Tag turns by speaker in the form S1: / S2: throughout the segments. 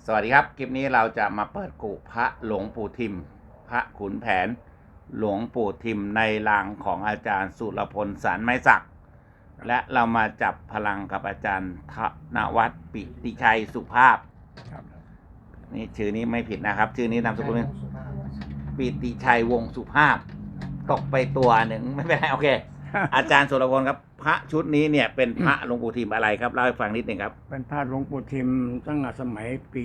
S1: สวัสดีครับคลิปนี้เราจะมาเปิดกุพระหลวงปู่ทิมพระขุนแผนหลวงปู่ทิมในรางของอาจารย์สุรพลสารไม้สักและเรามาจับพลังกับอาจารย์ธนวัฒน์ปิติชัยสุภาพนี่ชื่อนี้ไม่ผิดนะครับชื่อนี้นามสกุลปิติชัยวงสุภาพตกไปตัวหนึ่งไม่เป็นไรโอเค อาจารย์สุรพลครับพระชุดนี้เนี่ยเป็นพระหลวงปู่ทิมอะไรครับเล่าให้ฟังนิดหนึ่งครับ
S2: เป็นพระหลวงปู่ทิมตั้งแต่สมัยปี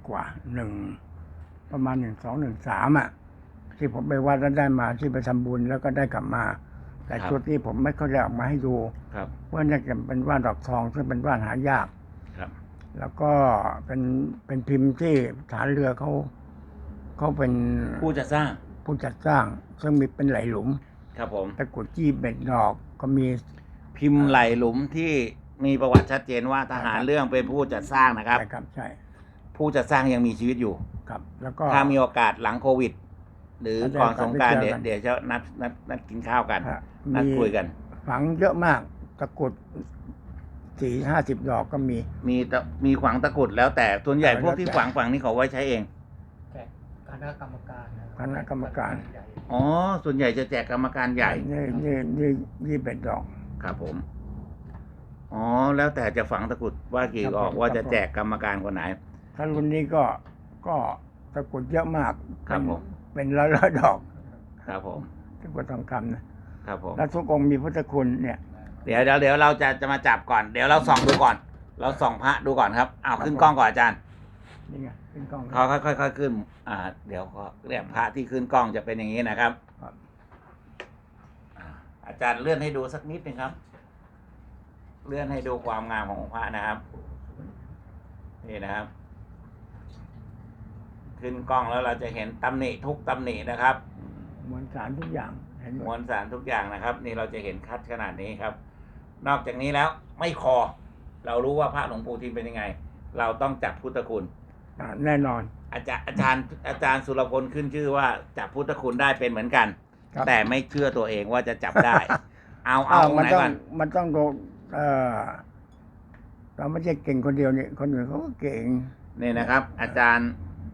S2: ประมาณ1213ที่ผมไปวัดแล้วได้มาที่ไปทำบุญแล้วก็ได้กลับมา แต่ชุดนี้ผมไม่ค่อยได้ออกมาให้ดูเพราะน่าจะเป็นว่านดอกทองซึ่งเป็นว่านหายากแล้วก็เป็นพิมพ์ที่ฐานเรือเขาเป็น
S1: ผู้จัดสร้าง
S2: ซึ่งมีเป็นไหลหลุม
S1: ครับผม
S2: ตะกุดจี้เบ็ดดอกก็มี
S1: พิมพ์ไหลหลุมที่มีประวัติชัดเจนว่าทหารเรื่องเป็นผู้จัดสร้างนะครับ
S2: ใช่
S1: ผู้จัดสร้างยังมีชีวิตอยู่
S2: ครับแล้วก็
S1: ถ้ามีโอกาสหลังโควิดหรือก่อนสงกรานต์เดี๋ยวจะนัดกินข้าวกันนัดคุยกัน
S2: ฝังเยอะมากตะกุด40-50 ดอกก็
S1: มีฝังตะกุดแล้วแต่ส่วนใหญ่พวกที่ฝังนี่เขาไว้ใช้เอง
S3: คณะกรรม
S2: การ
S1: อ๋อส่วนใหญ่จะแจกกรรมการใหญ่
S2: นี่เป็นดอก
S1: ครับผมอ๋อแล้วแต่จะฝังตะกุดว่ากี่ออกว่าจะแจกกรรมการคนไหน
S2: ถ้ารุ่นนี้ก็ตะกุดเยอะมาก
S1: ครับผม
S2: เป็นร้อยดอก
S1: ครับผม
S2: ตะกุดทองคำนะครับ
S1: ผม
S2: แล้วทุกองค์มีพุทธคุณเนี่ย
S1: เดี๋ยวเราจะมาจับก่อนเดี๋ยวเราส่องดูก่อนเราส่องพระดูก่อนครับเอาขึ้นกล้องก่อนอาจารย์
S2: นี่ไงขึ้นกล้อง
S1: เขาค่อยขึ้นเดี๋ยวก็เรียกพระที่ขึ้นกล้องจะเป็นอย่างนี้นะครับอาจารย์เลื่อนให้ดูสักนิดนึงครับเลื่อนให้ดูความงามของพระนะครับนี่นะครับขึ้นกล้องแล้วเราจะเห็นตำหนิทุกตำหนินะครับ
S2: มวลสารทุกอย่าง
S1: มวลสารทุกอย่างนะครับนี่เราจะเห็นคัดขนาดนี้ครับนอกจากนี้แล้วไม่คอเรารู้ว่าพระหลวงปู่ทิมเป็นยังไงเราต้องจับพุทธคุณ
S2: แน่นอน
S1: อาจารย์สุรพลขึ้นชื่อว่าจับพุทธคุณได้เป็นเหมือนกันแต่ไม่เชื่อตัวเองว่าจะจับได้เอาไหนก่อน
S2: มันต้องดูเราไม่ใช่เก่งคนเดียวนี่คนอื่นเขาก็เก่ง
S1: นี่นะครับอาจารย์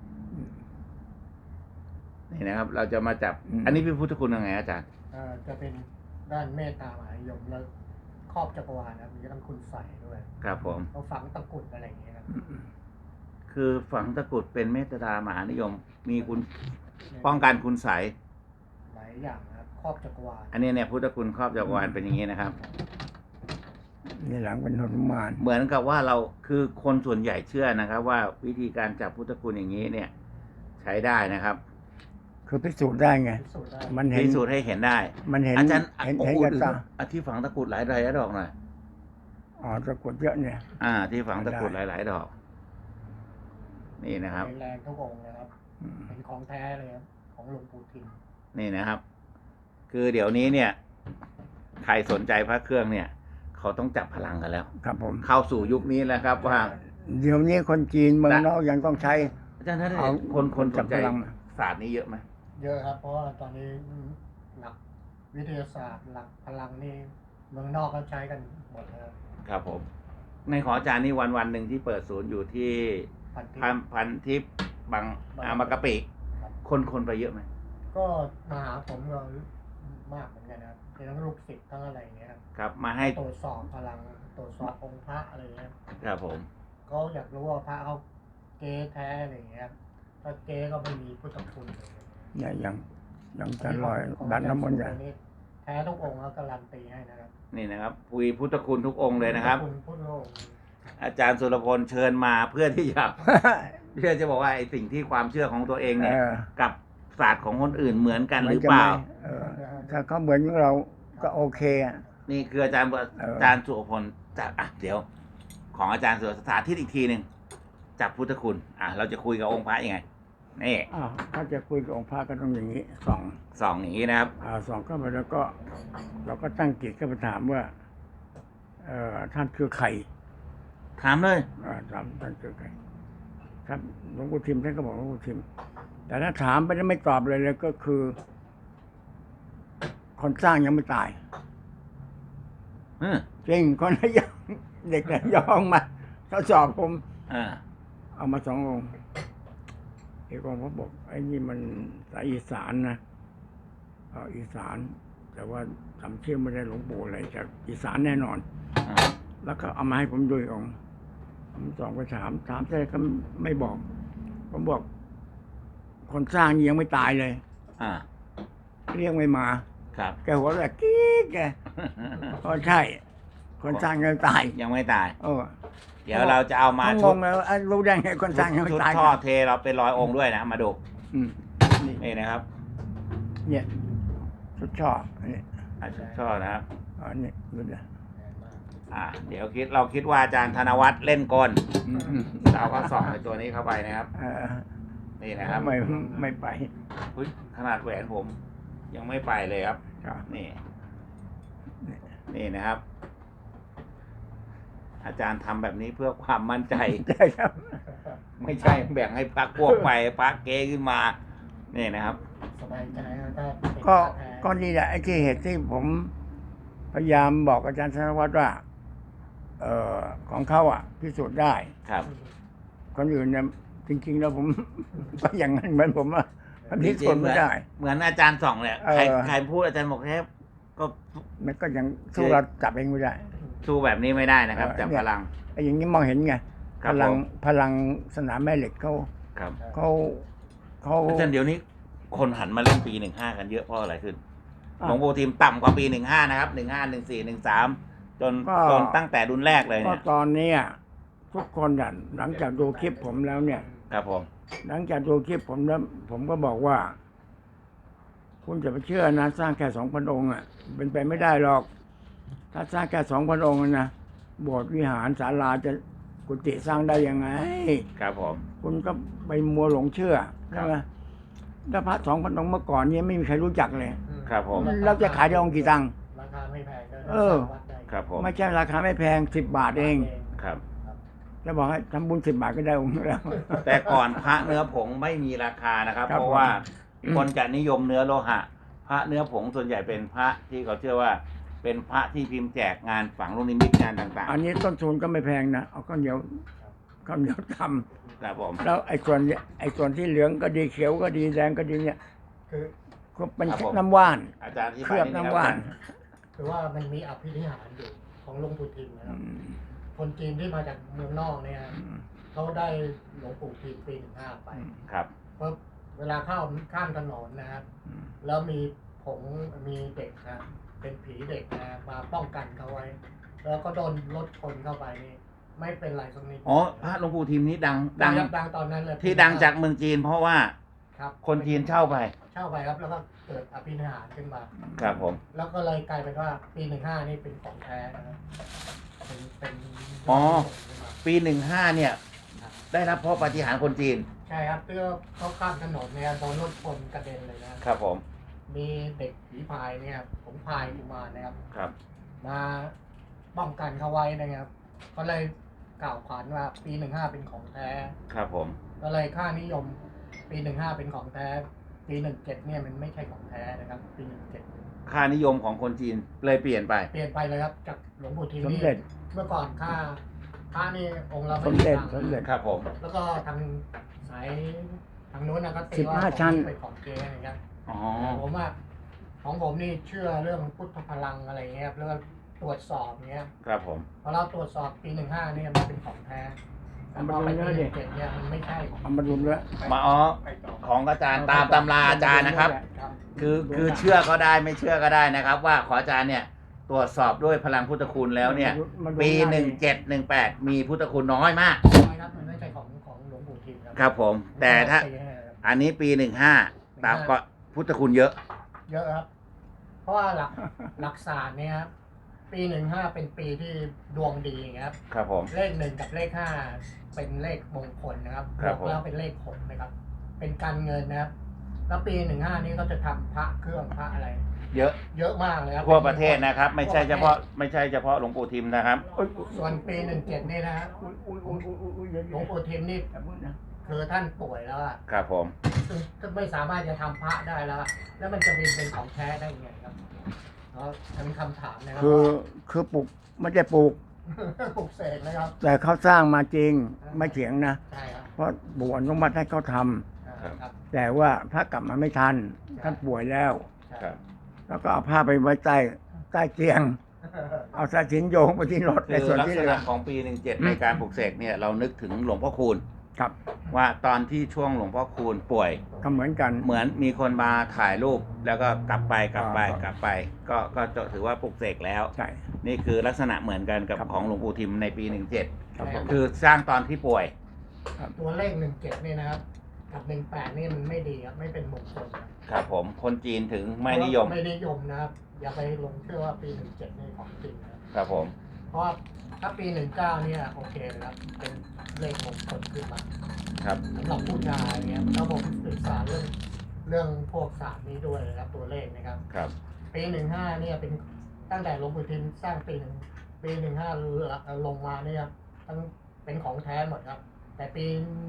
S1: นี่นะครับเราจะมาจับอันนี้เป็นพุทธคุณยังไงอาจารย์
S3: จะเป็นด้านเมตตามหานิยมแล้วครอบจักรวาลนะมีทั้งคุณใส่ด้วย
S1: ครับผม
S3: เราฝังตะกุดอะไรอย่างเงี้ยครับ
S1: คือฝังตะกุดเป็นเมตตามหานิยมมีคุณป้องกันคุณใส
S3: หลายอย่างนะครับครอบจักรวาล
S1: อันนี้เนี่ยพุทธคุณครอบจักรวาลเป็นอย่างนี้นะครับ
S2: นี่หลังเป็นหนุมาน
S1: เหมือนกับว่าเราคือคนส่วนใหญ่เชื่อนะครับว่าวิธีการจับพุทธคุณอย่างนี้เนี่ยใช้ได้นะครับ
S2: คือพิสูจน์ได้ไง
S1: มันพิสูจน์ให้เห็นได้
S2: มันเห็น
S1: อาจารย์
S2: เห็นกับตา
S1: ที่ฝังตะกุดหลายดอกหน่อย
S2: ตะกุดเยอะเนี่ย
S1: ที่ฝังตะกุดหลายดอกนี่นะครับ
S3: แรงทุกองค์นะครับเป็นของแท้เลยครับของหลวงปู่ทิม
S1: นี่นะครับคือเดี๋ยวนี้เนี่ยใครสนใจพระเครื่องเนี่ยเขาต้องจับพลังกันแล้ว
S2: ครับผม
S1: เข้าสู่ยุคนี้แล้วครับว่า
S2: เดี๋ยวนี้คนจีนเมืองนอกยังต้องใช้
S1: อาจารย์ท่านคนจับพลังศาสตร์นี้เยอะไหม
S3: เยอะครับเพราะว่าตอนนี้หลักวิทยาศาสตร์หลักพลังนี่เมืองนอกเขาใช้กันหมดแล้ว
S1: ครับผมในขออาจารย์นี่วันหนึ่งที่เปิดศูนย์อยู่ที่พันทิพย์บางมากะปิคนไปเยอะไหม
S3: ก็มาหาผมก็มากเหมือนกันนะครับทั้งลูกศิษย์ทั้งอะไรเงี้ย
S1: ครับมาให้
S3: ตรวจสอบพลังตรวจสอบองค์พระอะไรเงี้ย
S1: ครับผม
S3: ก็อยากรู้ว่าพระเขาเก๊แท้อะไรเงี้ยถ้าเก๊ก็ไม่มีพุทธคุณ
S2: เนี่ยยังจะลอยดันน้ำมนต์อย่าง
S3: แท้ทุกองค์แล้วการันตีให้นะครับ
S1: นี่นะครับปุยพุทธคุณทุกองค์เลยนะครับอาจารย์สุรพลเชิญมาเพื่อที่จะบอกว่าไอ้สิ่งที่ความเชื่อของตัวเองเนี่ยกับศาสตร์ของคนอื่นเหมือนกันหรือเปล่า
S2: ถ้าเขาเหมือนเราก็โอเค
S1: นี่คืออาจารย์สุรพลจับเดี๋ยวของอาจารย์สุรสาธิตอีกทีหนึ่งจับพุทธคุณเราจะคุยกับองค์พระยังไงนี่
S2: ถ้าจะคุยกับองค์พระก็ต้องอย่างนี้
S1: ส่องอย่างนี้นะครับ
S2: ส่องเข้าไปแล้วก็เราก็ตั้งจิตก็ไปถามว่าท่านคือใคร
S1: ถามเลย
S2: ถามท่านคือใครครับหลวงปู่ทิมท่านก็บอกหลวงปู่ทิมแต่ถ้าถามไปแล้วไม่ตอบเลยก็คือคนสร้างยังไม่ตายจริงคนระยองเด็กระยองมาเขาสอบผมเอามา2 องค์เอกองค์ผมบอกไอ้นี่มันสายอีสานนะอีสาน แต่ว่าจำชื่อไม่ได้หลวงปู่อะไรจากอีสานแน่นอน
S1: อ่า
S2: แล้วก็เอามาให้ผมดูอีกองค์ผมส่องไปถามใช่ก็ไม่บอก ผมบอก คนสร้างยังไม่ตายเลย
S1: อ่า
S2: เรียกไม่มา
S1: ครับ
S2: แกหัวเราะกิ๊กแกใช่ คนสร้างยังไม่ตาย
S1: ยังไม่ตาย
S2: เออ
S1: เดี๋ยวเราจะเอามา
S2: เขาง
S1: ชุด
S2: งเลยว่ารู้ได้ไงคนสร้างยังไม่
S1: ชุด
S2: ตาย
S1: ท่อเทเราเป็น100 องค์ด้วยนะ มาดู
S2: อืมนี่
S1: นี่นะครับ
S2: เนี่ยชุดช่อนี่
S1: ชุดท่อนะครับ
S2: นี่ดูดิ
S1: เดี๋ยวเราคิดว่าอาจารย์ธนวัฒน์เล่นกล
S2: อืม
S1: เราก็ส่องในตัวนี้เข้าไปนะครับ นี่นะครับ
S2: ไม่ไป
S1: อุ๊ยขนาดแหวนผม ยังไม่ไปเลยครับ
S2: ครับ
S1: นี่ นี่นะครับ อาจารย์ทำแบบนี้เพื่อความมั่นใจ
S2: ใช่ครับ
S1: ไม่ใช่แบ่งให้พักพวกไปพักเกขึ้นมา นี่นะครับ
S3: สบายใจนะถ้าเป็น
S2: ก็
S3: พระแท้
S2: ก็นี่แหละไอ้ที่เหตุที่ผมพยายามบอกอาจารย์ธนวัฒน์ว่า ของเขาพิสูจน์ได้
S1: ครับ
S2: คนอื่นเนี่ยจริง ๆ แล้วผม ก็อย่างนั้นเหมือนผมว่ามันพิสูจน์ไม่ได้
S1: เหมือนอาจารย์ส่องเนี่ย
S2: เออ
S1: ใครพูดอาจารย์บอกแค่ก็
S2: มันก็ยังสู้เราจับเองไม่ได้
S1: สู้แบบนี้ไม่ได้นะครับ จับ
S2: เนี่ย
S1: พลัง
S2: ไอ้อย่างนี้มองเห็นไง
S1: ครั
S2: พ
S1: บ
S2: ลัง
S1: ผม
S2: พลังสนามแม่เหล็กเขา
S1: ครับ
S2: เขา
S1: อาจารย์เดี๋ยวนี้คนหันมาเล่นปี15กันเยอะเพราะอะไรขึ้น
S2: อ่ะ
S1: หลวงปู่ทิมต่ำกว่าปี15นะครับ15 14 13จน
S2: ก็
S1: จนตั้งแต่รุ่นแรกเลย
S2: ก็
S1: เนี่ย
S2: ตอนเนี้ยทุกคนหลังจากดูคลิปผมแล้วเนี่ย
S1: ครับผม
S2: หลังจากดูคลิปผมแล้วผมก็บอกว่า คุณจะไปเชื่อนะสร้างแค่2,000 องค์เป็นไปไม่ได้หรอก ถ้าสร้างแค่2,000 องค์นะโบสถ์วิหารศาลาจะกุฏิสร้างได้ยังไง
S1: ครับผม
S2: คุณก็ไปมัวหลงเชื่อใช่ไหมถ้าพระ2,000 องค์เมื่อก่อนนี้ไม่มีใครรู้จักเลย
S1: ครับผม
S2: เราจะขายได้องค์กี่ตังค์
S3: ราคาไม่แพงก็
S2: เออ
S3: วัดได้
S1: ครับผม
S2: ไม่ใช่ราคาไม่แพง10 บาทเอง
S1: ครับ
S2: จะบอกให้ทำบุญ10 บาทก็ได้องค์แล้ว
S1: แต่ก่อนพระเนื้อผงไม่มีราคานะครับ
S2: ครับ
S1: เพราะว่า
S2: ผม
S1: คนจะนิยมเนื้อโลหะ พระเนื้อผงส่วนใหญ่เป็นพระที่เขาเชื่อว่า เป็นพระที่พิมพ์แจกงานฝังลูกนิมิตงานต่าง
S2: อันนี้ต้นทุนก็ไม่แพงนะเอาข้าวเหนียวท
S1: ๆครับผม
S2: ำแล้วไอ้ส่วนที่เหลืองก็ดีเขียวก็ดีแดงก็ดีเนี่ย
S3: คือ
S2: ก็เป็น
S1: ครับผม
S2: น้ำว่าน
S1: อาจารย์ที่
S2: เคลือบน้ำว่าน
S3: คือว่ามันมีอภินิหารอยู่ของหลวงปู่ทิมนะค
S2: อื
S3: รับ
S2: ม
S3: คนจีนที่มาจากเมืองนอกเนี่ยเขาได้หลวงปู่ทิมปี15ไป
S1: ครับ
S3: เพราะเวลาข้ามถนนนะครับ แล้วมีผงมีเด็กนะเป็นผีเด็กนะมาป้องกันเขาไว้ แล้วก็โดนรถชนเข้าไปนี่ไม่เป็นไรสักนิด
S1: อ๋อพระหลวงปู่ทิมนี้ดัง
S3: ดั
S1: ดั
S3: ง
S1: ง
S3: ดังตอนนั้นเลย
S1: ที่ดังจากเมืองจีน เพราะว่า
S3: ครับ
S1: คนจีนเช่าไป
S3: เช่าไปครับ แล้วก็เกิดอภินิหารขึ้นมา
S1: ครับผม
S3: แล้วก็เลยกลายเป็นว่าปี15นี่เป็นของแท้นะครับเป็น
S1: อ๋อ
S3: ขึ้นมา
S1: ปี15เนี่ย ได้รับเพราะปาฏิหาริย์คนจีน
S3: ใช่ครับเพื่อเขาข้ามถนนเนี่ยโดนรถชนกระเด็นเลยนะครับ
S1: ผม
S3: มีเด็กผีพายเนี่ยผมพายกุมารนะครับ
S1: ครับ
S3: มาป้องกันเขาไว้นะครับ ก็เลยกล่าวขวัญว่าปี15เป็นของแท้
S1: ครับผม
S3: ก็เลยค่านิยมปี15เป็นของแท้ ปี17เนี่ยมันไม่ใช่ของแท้นะครับ ปี17
S1: ค่านิยมของคนจีนเลยเปลี่ยนไป
S3: เปลี่ยนไปเลยครับจากหลวงปู่ทิม
S2: สม
S3: นี่
S2: เด็จ
S3: เมื่อก่อนค่าพระนี่องค์ละ
S2: ส
S3: ไม่
S2: ม
S3: กี่
S2: เด็จ
S3: ตังค์
S2: สมเด็จ
S1: ครับผม
S3: แล้วก็ทางสายทางโน้นนะก็ตีว่า
S2: 15ชั้น
S3: เป็นของเก๊นะครับ
S1: อ๋อ
S3: ผมว่าของผมนี่เชื่อเรื่องพุทธพลังอะไรเงี้ยครับแล้วก็ตรวจสอบเงี้ย
S1: ครับผม
S3: พอเราตรวจสอบปี15เนี่ยมันเป็นของแท้แต่พอไปปี17เนี่ยมันไม่ใช่ของ
S2: เอามาดูด้วย
S1: มาอ๋อของอาจารย์ตามตำราอาจารย์นะครับ
S3: ครับ
S1: คือเชื่อก็ได้ไม่เชื่อก็ได้นะครับ ว่าขออาจารย์เนี่ยตรวจสอบด้วยพลังพุทธคุณแล้วเนี่ย ปี1718มีพุทธคุณน้อยมาก
S3: ไม่ครับมันไม่ใช่ของหลวงปู่ทิมครั
S1: ครับผม แต่ถ้า
S3: ปีให้ครับ
S1: อันนี้ปี15ตามก็พุทธคุณเยอะ
S3: เยอะครับ เพราะว่าหลักศาสตร์เนี่ยครับปี15เป็นปีที่ดวงดีครับ
S1: ครับผม
S3: เลข1กับเลข5เป็นเลขมงคลนะครับ
S1: ครับ
S3: บวกแล้วเป็นเลข6นะครับ เป็นการเงินนะครับ แล้วปี15นี้ก็จะทำพระเครื่องพระอะไร
S1: เยอะ
S3: เยอะมากเลยครับ
S1: ทั่วประเทศนะครับ ไม่ใช่เฉพาะหลวงปู่ทิมนะครับ
S3: ส่วนปี17นี่นะฮะหลวงปู่ทิมนี่คือท่านป่วยแล้วอะ
S1: ครับผม
S3: ซึ่งไม่สามารถจะทำพระได้แล้วอะแล้วมันจะเป็นของแท้ได้ยังไงครับเนาะเป็นคำถามนะครั
S2: คือปลูกไม่ได้ปลูก
S3: ปลุกเสกนะครับ
S2: แต่เขาสร้างมาจริงไม่เถียงนะ
S3: ใช่ครับ
S2: เพราะปู่อนุมัติให้เขาท
S3: ครับ
S2: ำแต่ว่าพระกลับมาไม่ทันท่านป่วยแล้ว
S1: ครับ
S2: แล้วก็เอาผ้าไปไว้ใต้เตียง เอาสายสิญจนโยงไปที่รถใน
S1: คือ
S2: ส่วน
S1: ลัก
S2: ที่
S1: ษ
S2: เหลื
S1: ณะ
S2: อ
S1: ของปี17ในการปลุกเสกเนี่ยเรานึกถึงหลวงพ่อคูณ
S2: ครับ
S1: ว่าตอนที่ช่วงหลวงพ่อคูณป่วย
S2: ก็เหมือนกัน
S1: เหมือนมีคนมาถ่ายรูปแล้วก็กลับไป
S2: ครับ
S1: ก็ถือว่าปลุกเสกแล้ว
S2: ใช่
S1: นี่คือลักษณะเหมือนกันกับ
S2: ครับ
S1: ของหลวงปู่ทิมในปี
S2: ครับผม
S1: 17คือสร้างตอนที่ป่วย
S3: ตัวเลข17นี่นะครับ กับ18นี่มันไม่ดีครับไม่เป็นมงคลนะครับ
S1: ผมคนจีนถึงไม่นิยม
S3: ไม่นิยมนะครับ อย่าไปลงเชื่อว่าปี17นี่ของจริงนะครับ
S1: ครับผม
S3: เพราะว่าถ้าปี19เนี่ยโอเคนะครับ เป็นเลขมงคลขึ้นมา
S1: ครับ
S3: สำหรับผู้ชายเนี่ยแล้วผมศึกษาเรื่องพวกศาสตร์นี้ด้วยนะครับ ตัวเลขนะครับ
S1: ครับ
S3: ปี15เนี่ยเป็นตั้งแต่หลวงปู่ทิมสร้างปี15ลงมาเนี่ยทั้งเป็นของแท้หมดครับ แต่ปี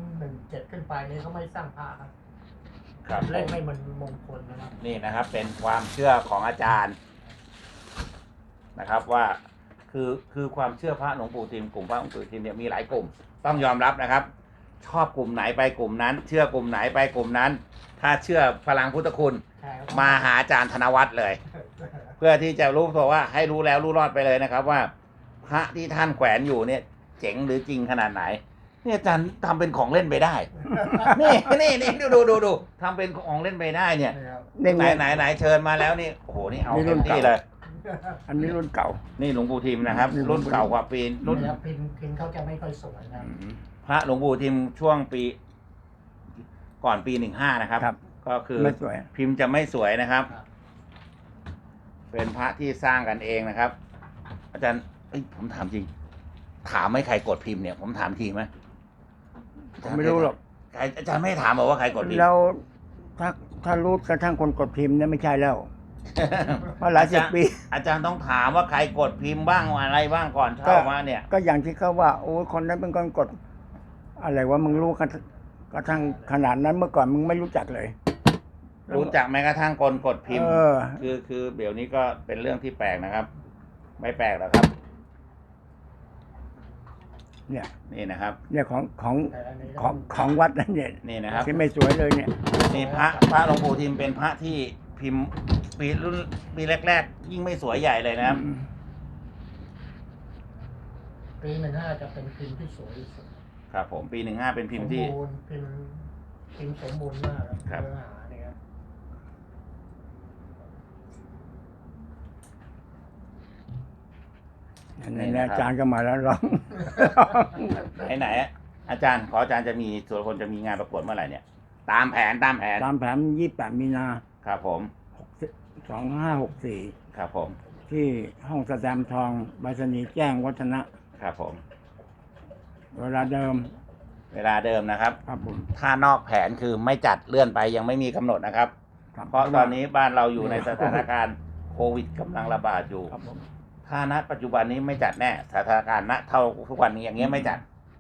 S3: 17ขึ้นไปนี่เขาไม่สร้างพระครับ
S1: ครับ
S3: เลขไม่มันมงคลนะครับ
S1: นี่นะครับเป็นความเชื่อของอาจารย์นะครับว่าคือความเชื่อพระหลวงปู่ทิมกลุ่มพระหลวงปู่ทิมเนี่ยมีหลายกลุ่ม ต้องยอมรับนะครับ ชอบกลุ่มไหนไปกลุ่มนั้น เชื่อกลุ่มไหนไปกลุ่มนั้น ถ้าเชื่อพลังพุทธคุณ
S3: ใช่ครับ
S1: มาหาอาจารย์ธนวัฒน์เลย เพื่อที่จะรู้ตัวว่าให้รู้แล้วรู้รอดไปเลยนะครับ ว่าพระที่ท่านแขวนอยู่เนี่ยเจ๋งหรือจริงขนาดไหนเนี่ยอาจารย์ทำเป็นของเล่นไปได้ นี่ดูทำเป็นของเล่นไปได้เนี่ย
S3: นะครับ
S2: นี่
S1: ไหนเชิญมาแล้วนี่โอ้โหนี่เอา
S2: นี่รุ่
S1: เต็
S2: น
S1: มที่
S2: เก่า
S1: เลย
S2: อันนี้รุ่นเก่า
S1: นี่หลวงปู่ทิมนะครับ
S2: นี่หลวงปู่
S1: รุ่นเก่ากว่าปีรุ่น
S3: นะครับพิมพ์เขาจะไม่ค่อยสวยนะครับ
S1: พระหลวงปู่ทิมช่วงปีก่อนปี15นะครับ
S2: ครับ
S1: ก็คือ
S2: ไม่สวย
S1: พิมพ์จะไม่สวยนะครับ
S3: ครับ
S1: เป็นพระที่สร้างกันเองนะครับ อาจารย์ผมถามจริง ถามไม่ใครกดพิมพ์เนี่ย ผมถามทีไหม
S2: ผมไม่รู้หรอก
S1: อาจารย์ไม่ถามบอกว่าใครกดพิมพ์
S2: แล้วถ้ารู้กระทั่งคนกดพิมพ์เนี่ยไม่ใช่แล้วเพราะหลายสิบปี
S1: อาจารย์ต้องถามว่าใครกดพิมพ์บ้างอะไรบ้างก่อนเข้ามาเนี่ย
S2: ก็อย่างที่เขาว่าโอ้ยคนนั้นเป็นคนกด อะไรว่ามึงรู้กันกระทั่งขนาดนั้นเมื่อก่อนมึงไม่รู้จักเลย
S1: รู้จักแม้กระทั่งคนกดพิมพ์
S2: เออ
S1: คือเดี๋ยวนี้ก็เป็นเรื่องที่แปลกนะครับ ไม่แปลกหรอกครับ
S2: เนี่ย
S1: นี่นะครับ
S2: เนี่ยของ
S3: แต่อันนี้ก็
S2: ของวัดนั่นเนี่ย
S1: นี่นะครับ
S2: ที่ไม่สวยเลยเนี่ย
S1: นี่พระหลวงปู่ทิมเป็นพระที่พิมพ์ปีแรกๆ ยิ่งไม่สวยใหญ่เลยนะครับ
S3: ปี15จะเป็นพิมพ์ที่สวยที่สุด
S1: ครับผมปี15เป็นพิมพ์ที่
S3: สมบูรณ์พิมพ์สมบูรณ์มาก
S1: ค
S3: ค
S1: รั
S3: รับ บเนื้อหาเนี่ยครับ
S2: ในอาจารย์ก็มาแล้วร้อง
S1: ไหนอาจารย์ขออาจารย์จะมีสุรพลจะมีงานประกวดเมื่อไหร่เนี่ย ตามแผน
S2: ตามแผน28 มีนา
S1: ครับผม
S2: 2564
S1: ครับผม
S2: ที่ห้องแสดงทองใบสนีย์แจ้งวัฒนะ
S1: ครับผม
S2: เวลาเดิม
S1: เวลาเดิมนะครับ
S2: ครับผม
S1: ถ้านอกแผนคือไม่จัดเลื่อนไปยังไม่มีกำหนดนะครับ
S2: ครับ
S1: เพราะตอนนี้บ้านเราอยู่ในสถานการณ์โควิดกำลังระบาดอยู่
S2: ครับผม
S1: ถ้าณปัจจุบันนี้ไม่จัดแน่สถานการณ์ณเท่าทุกวันนี้อย่างเงี้ยไม่จัด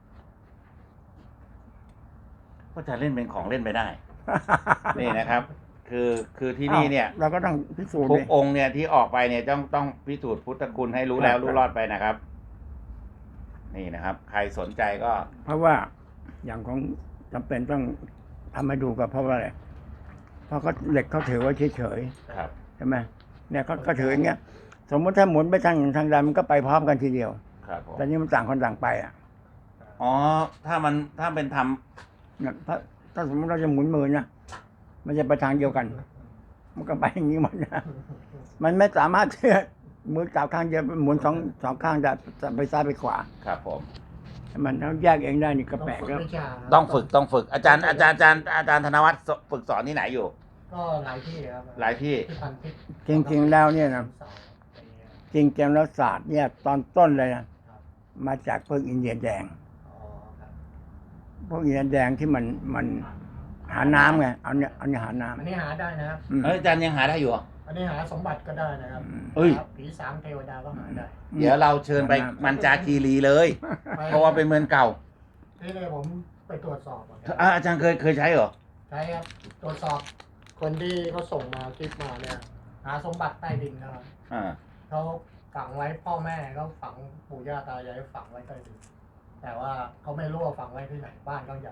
S1: ก็จะเล่นเป็นของเล่นไปได้ นี่นะครับ คือที่นี่เนี่ย
S2: เราก็ต้องพิสูจน์
S1: ทุก
S2: ดิ
S1: องค์เนี่ยที่ออกไปเนี่ยต้องพิสูจน์พุทธคุณให้รู้แล้ว
S2: ครับ
S1: รู้รอดไปนะครับ นี่นะครับ ใครสนใจก็
S2: เพราะว่าอย่างของจำเป็นต้องทำให้ดูกับเพราะว่าอะไรเพราะเขาเหล็กเขาถือไว้เฉย
S1: ครับ
S2: ๆใช่ไหมเนี่ยก็ถืออย่างเงี้ย สมมติถ้าหมุนไปทางใดมันก็ไปพร้อมกันทีเดียว
S1: ครับผม
S2: แต่นี้มันต่างคนต่างไปอ่ะ
S1: อ๋อถ้าเป็นทำ
S2: เนี่ยถ้าสมมติเราจะหมุนมือนะมันจะไปทางเดียวกัน มันก็ไปอย่างนี้หมดนะมันไม่สามารถที่จะมือจับข้างเดียวหมุนสองข้างจะไปซ้ายไปขวา
S1: ครับผม
S2: มันต้องแยกเองได้นี่ก็แปลกแล้ว
S3: วิชา
S1: ต้องฝึกอาจารย์ธนวัฒน์ฝึกสอนที่ไหนอยู่
S3: ก็หลายที่ครับ
S1: หลายที่
S3: ที่พันทิพย์
S2: จริงๆแล้วเนี่ยนะ
S3: สอนอะไรเงี้ย
S2: จริงๆแล้วศาสตร์เนี่ยตอนต้นเลยนะมาจากพวกอินเดียแดง
S3: อ๋อครับ
S2: พวกอินเดียแดงที่มันหาน้ำไงเอาเนี่ยหาน้
S3: อันนี้หาได้นะครับ
S2: ำอืม
S1: เอ้ยอาจารย์ยังหาได้อยู่เหรอ
S3: อันนี้หาสมบัติก็ได้นะครับ
S1: เอ้ย
S3: ครับผีสางเทวดาก็หาได้
S1: เดี๋ยวเราเชิญไปมันจาคีรีเลย เพราะว่าเป็นเมืองเก่า
S3: ที่นี่ผมไปตรวจสอบอะครับ
S1: อาจารย์เคยใช้เหรอ
S3: ใช่ครับตรวจสอบคนที่เขาส่งมาคลิปมาเนี่ยหาสมบัติใต้ดินนะครับ
S1: อ่า
S3: เขาฝังไว้พ่อแม่เขาฝังปู่ย่าตายายฝังไว้ใต้ดินแต่ว่าเขาไม่รู้ว่าฝังไว้ที่ไหนบ้านเขาใหญ่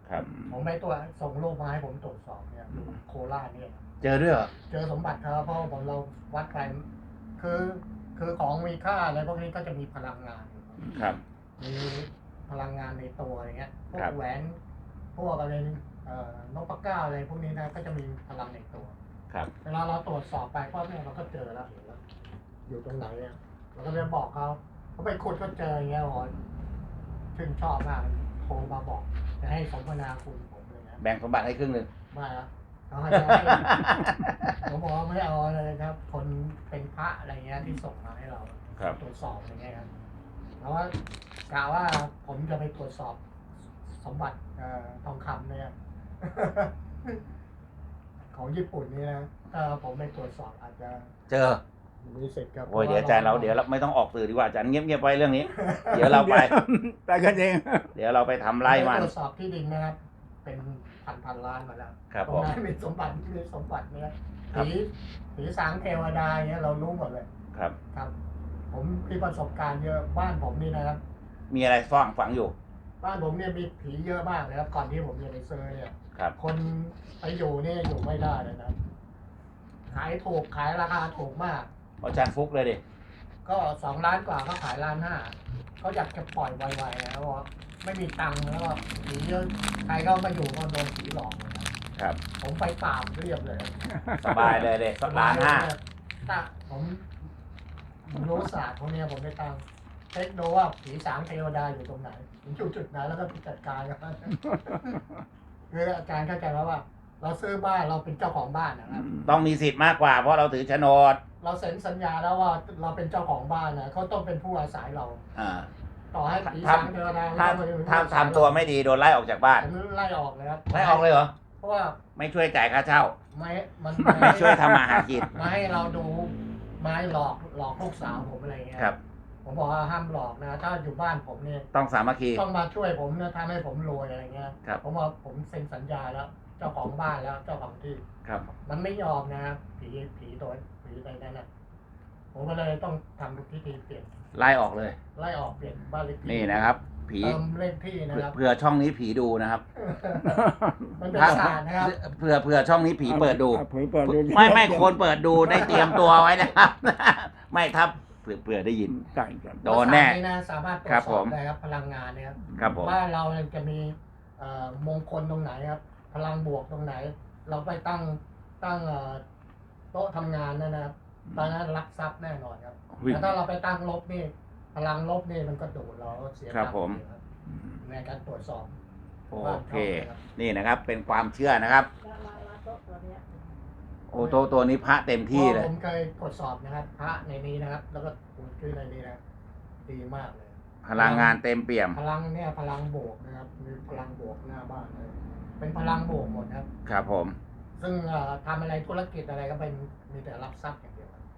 S1: ครับ
S3: ผมไปตัวจส่งรูปมาให้ผมตรวจสอบเนี่ยดูโคราชเนี่ย
S1: เจอด้วยเหรอ
S3: เจอสมบัติครับเพราะผมเราวัดไปคือของมีค่าอะไรพวกนี้ก็จะมีพลังงานอยู่
S1: ครับ
S3: มีพลังงานในตัวอะไรเงี้ยพว
S1: ครั
S3: ก
S1: บ
S3: แหวนพวกอะไรนกปะก้าอะไรพวกนี้นะก็จะมีพลังในตัว
S1: ครับ
S3: เวลาเราตรวจสอบไปก็เนี่ยเราก็เจอแล้วเห็นแล้วอยู่ตรงไหนเนี่ยเราก็เลยบอกเขาไปขุดก็เจออย่างเงี้ยอ๋อชื่นชอบมากโทรมาบอกจะให้สมนาคุณผมเลยนะ
S1: แบ่งสมบัติให้ครึ่งหนึ่ง
S3: ไม่ละเขาให้ผมบอกว่าไม่เอาเลยครับ คนเป็นพระอะไรเงี้ยที่ส่งมาให้เรา
S1: ครับ
S3: ตรวจสอบอย่างเงี้ยครับแล้วว่ากล่าวว่าผมจะไปตรวจสอบสมบัติทองคำเนี่ย ของญี่ปุ่นนี่นะถ้าผมไปตรวจสอบอาจจะ
S1: เจอ
S3: มีสิทธิ์กับ
S1: โอ้ยเดี๋ยวอาจารย์เราไม่ต้องออกสื่อดีกว่าอาจารย์เงียบๆไว้เรื่องนี้ เดี๋ยวเราไป
S2: ไปกันเอง
S1: เดี๋ยวเราไปทำไร่มัน
S3: ตรวจสอบที่ดินนะครับ เป็นพันล้านมาแล้ว
S1: ครับ
S3: ต
S1: ผ
S3: รง
S1: ม
S3: นั้นมีสมบัติเนี่ย
S1: ครับ
S3: ผีสางเทวดาเนี่ยเรารู้หมดเลย
S1: ครับ
S3: ครับ ผมมีประสบการณ์เยอะบ้านผมนี่นะครับ
S1: มีอะไรฝังอยู่
S3: บ้านผมเนี่ยมีผีเยอะมากเลยครับก่อนที่ผมจะไปเซอร์เนี่ย
S1: ครับ
S3: คนไปอยู่เนี่ยอยู่ไม่ได้เลยนะขายถูกขายราคาถูกมาก
S1: อาจารย์ฟุกเลยดิ
S3: ก็2 ล้านกว่าเขาขาย1.5 เขาอยากจะปล่อยไวๆนะเพราะว่าไม่มีตังค์แล้วก็ผีเยอะใครเข้ามาอยู่ก็โดนผีหลอกนะครับ ผมไปปราบเรียบเลย
S1: สบายเลยเลย1.5
S3: ถ้าผมรู้ศาสตร์พวกเนี้ยผมได้ตั้งเช็คดูว่าผีสางเทวดาอยู่ตรงไหนอยู่จุดไหนแล้วก็ไปจัดการกับมัน คืออาจารย์เข้าใจแล้วว่า เราซื้อบ้านเราเป็นเจ้าของบ้านนะครับ
S1: ต้องมีสิทธิ์มากกว่าเพราะเราถือโฉนด
S3: เราเซ็นสัญญาแล้วว่าเราเป็นเจ้าของบ้านนะเขาต้องเป็นผู้อาศัยเรา
S1: อ่า
S3: ต่อให้ผี
S1: ถ้า
S3: สางเทวดา
S1: ถ้าทำตัวไม่ดีโดนไล่ออกจากบ้าน
S3: ผมไล่ออกเลยครับ
S1: ไล่ออกเลยเหรอ
S3: เพราะว่า
S1: ไม่ช่วยจ่ายค่าเช่า
S3: มัน
S1: ไม่ช่วยทำมาหากิน
S3: มาให้เราดูมาให้หลอกลูกสาวผมอะไรเงี้ย
S1: ครับ
S3: ผมบอกว่าห้ามหลอกนะ ถ้าอยู่บ้านผมเนี่ย
S1: ต้องสามัคคี
S3: ต้องมาช่วยผมนะทำให้ผมรวยอะไรเงี้ย
S1: ครับ
S3: ผมว่าผมเซ็นสัญญาแล้ว เจ้าของบ้านแล้วเจ้าของที่
S1: ครับ
S3: มันไม่ยอมนะครับผีตัวผีอะไรนั่นน่ะผมก็เลยต้องทำพิธีเปลี่ยน
S1: ไล่ออกเลย
S3: ไล่ออกเปลี่ยนบ้านเลขที่
S1: นี่นะครับ ผี
S3: เติมเลขที่นะครับ
S1: เผื่อช่องนี้ผีดูนะครับ
S3: มันเป็นศาสตร์นะครับ
S1: เผื่อช่องนี้ผีเปิดดู
S2: เผยเปิดดู
S1: ไม่คนเปิดดูได้เตรียมตัวไว้นะครับ ไม่ถ้าเผื่อได้ยิน
S2: ใช่ครับ
S1: โดนแน่
S3: ศาสตร์นี้นะสามารถตรว
S1: ครั
S3: จ
S1: บ
S3: ส
S1: ผ
S3: อบ
S1: ม
S3: ได้ครับพลังงานนะครับ
S1: ครับผม
S3: บ้านเราเนี่ยจะมีมงคลตรงไหนครับ พลังบวกตรงไหน เราไปตั้งโต๊ะทำงานนะครับตอนนั้นรับทรัพย์แน่นอนครับ
S1: อุ๊ย
S3: แต่ถ้าเราไปตั้งลบนี่ พลังลบนี่มันก็ดูดเราเสีย
S1: ครับ
S3: ทพย์
S1: ผม
S3: ครับในการตรวจสอบ
S1: โอเค นี่นะครับ เป็นความเชื่อนะครับ โอ้ตัวนี้พระเต็มที่เลย
S3: ผมเคยตรวจสอบนะครับ พระในนี้นะครับ แล้วก็คุณชื่อในนี้นะดีมากเลย
S1: พลังงานเต็มเปี่ยม
S3: พลังเนี่ยพลังบวกนะครับมีพลังบวกหน้าบ้านเลยเป็นพลังบวกหมดครับ
S1: ครับผม
S3: ซึ่งทำอะไรธุรกิจอะไรก็เป็นมีแต่รับทรัพย์อย่างเดียวครับ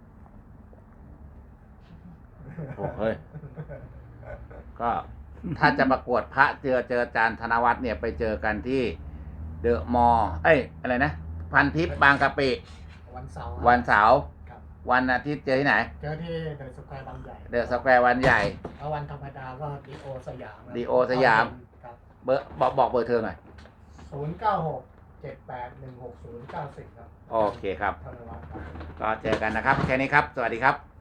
S1: โอ้เฮ้ย ก็ถ้าจะประกวดพระเจออาจารย์ธนวัฒน์เนี่ยไปเจอกันที่เดอะมอลล์อะไรนะ พันทิพย์บางกะปิ
S3: วันเสาร์ครับ
S1: วันเสาร์
S3: ครับ
S1: วันอาทิตย์เจอที่ไหน
S3: เจอที่เดอะสแควร์บางใหญ่
S1: เดอะสแควร์วันใหญ่
S3: แล้ววันธรรมดาก็ดีโอสยามครับ
S1: ดีโอสยาม
S3: ครับ
S1: เบอร์บอกเบอร์เธอหน่อย
S3: 096-78-160-90ครับ
S1: โอเคครับ
S3: ธนวัฒน์ครับ
S1: ก็เจอกันนะครับ แค่นี้ครับ สวัสดีครับ